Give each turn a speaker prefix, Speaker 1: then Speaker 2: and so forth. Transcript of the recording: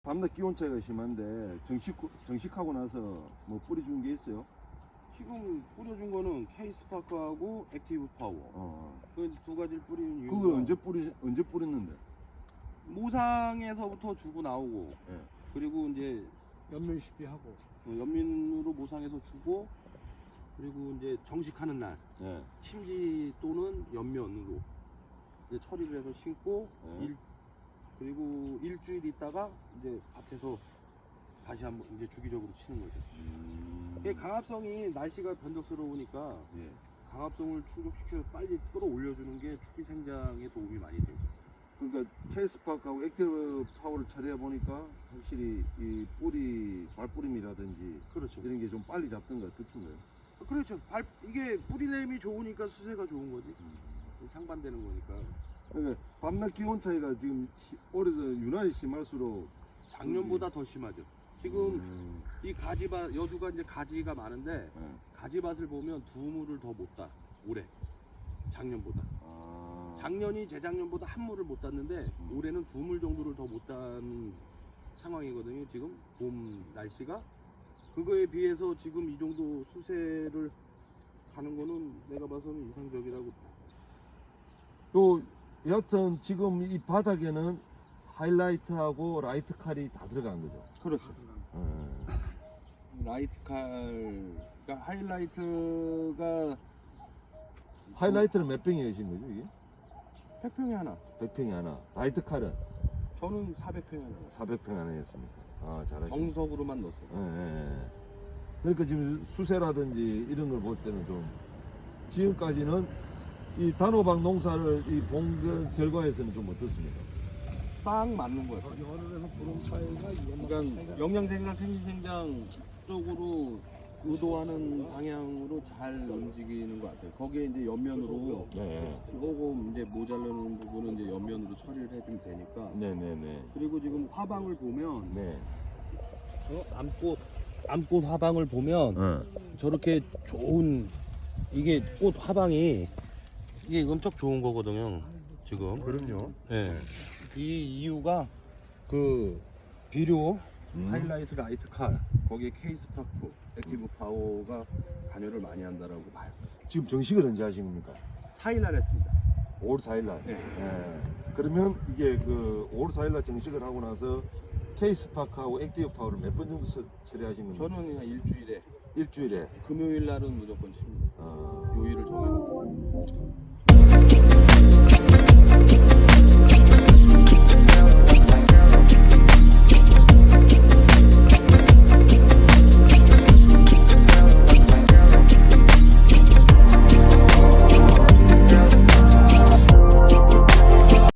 Speaker 1: 밤낮 기온 차이가 심한데 정식하고 나서 뭐 뿌려준 게 있어요?
Speaker 2: 지금 뿌려준 거는 K-스파크하고 액티브 파워. 그 두 가지를 뿌리는 이유가
Speaker 1: 그걸 언제 뿌렸는데?
Speaker 2: 모상에서부터 주고 나오고
Speaker 1: 예.
Speaker 2: 그리고 이제
Speaker 3: 연면 시비하고
Speaker 2: 연민으로 모상해서 주고 그리고 이제 정식하는 날
Speaker 1: 예.
Speaker 2: 침지 또는 연면으로 이제 처리를 해서 심고
Speaker 1: 예.
Speaker 2: 그리고 일주일 있다가 이제 밭에서 다시 한번 이제 주기적으로 치는 거죠. 이게 강압성이 날씨가 변덕스러우니까
Speaker 1: 예.
Speaker 2: 강압성을 충족시켜 빨리 끌어올려주는 게 초기 생장에 도움이 많이 되죠.
Speaker 1: 그러니까 K-스파크하고 액티브 파워를 처리해 보니까 확실히 이 뿌리 발뿌림이라든지
Speaker 2: 그렇죠.
Speaker 1: 이런 게 좀 빨리 잡던 것 같은데요.
Speaker 2: 그렇죠. 이게 뿌리냄이 좋으니까 수세가 좋은 거지. 상반되는 거니까.
Speaker 1: 그러니까 밤낮 기온 차이가 지금 올해도 유난히 심할수록
Speaker 2: 작년보다 더 심하죠. 지금 이 가지밭 여주가 이제 가지가 많은데
Speaker 1: 예.
Speaker 2: 가지밭을 보면 두 물을 더 못 따. 올해 작년보다.
Speaker 1: 아.
Speaker 2: 작년이 재작년보다 한 물을 못 땄는데 올해는 두 물 정도를 더 못 딴 상황이거든요. 지금 봄 날씨가 그거에 비해서 지금 이 정도 수세를 가는 거는 내가 봐서는 이상적이라고 봐요.
Speaker 1: 또 여하튼 지금 이 바닥에는 하이라이트하고 라이트 칼이 다 들어간 거죠.
Speaker 2: 그렇죠. 라이트 칼, 그러니까 하이라이트가
Speaker 1: 하이라이트는 몇 평이 계신 거죠 이게?
Speaker 2: 100평에 하나.
Speaker 1: 100평이 하나. 라이트 칼은
Speaker 2: 저는 400평에 하나.
Speaker 1: 400평 하나였습니까? 아 잘하시네.
Speaker 2: 정석으로만 넣었어요.
Speaker 1: 예. 그러니까 지금 수세라든지 이런 걸 볼 때는 좀 지금까지는 이 단호박 농사를 이 본 결과에서는 좀 어떻습니까?
Speaker 2: 딱 맞는 거예요.
Speaker 3: 여름에는 구름 차이가
Speaker 2: 그러니까 영양생장, 생리생장 쪽으로 의도하는 방향으로 잘 움직이는 것 같아요. 거기에 이제 연면으로
Speaker 1: 네.
Speaker 2: 조금 이제 모자라는 부분은 이제 연면으로 처리를 해주면 되니까.
Speaker 1: 네네네.
Speaker 2: 그리고 지금 화방을 보면
Speaker 1: 네.
Speaker 2: 암꽃 화방을 보면 저렇게 좋은 이게 꽃 화방이 이게 엄청 좋은 거거든요. 지금.
Speaker 1: 그럼요.
Speaker 2: 예. 이 이유가 그 비료, 하이라이트, 라이트 칼, 거기에 K-스파크, 액티브 파워가 관여를 많이 한다라고 봐요.
Speaker 1: 지금 정식을 언제 하신 겁니까?
Speaker 2: 4일날 했습니다.
Speaker 1: 5월 4일날.
Speaker 2: 네.
Speaker 1: 그러면 이게 그 5월 4일날 정식을 하고 나서 K-스파크하고 액티브 파워를 몇 번 정도 처리하신 겁니까?
Speaker 2: 저는 그냥 일주일에
Speaker 1: 일주일에.
Speaker 2: 금요일 날은 무조건 칩니다. 요일을 정해놓고.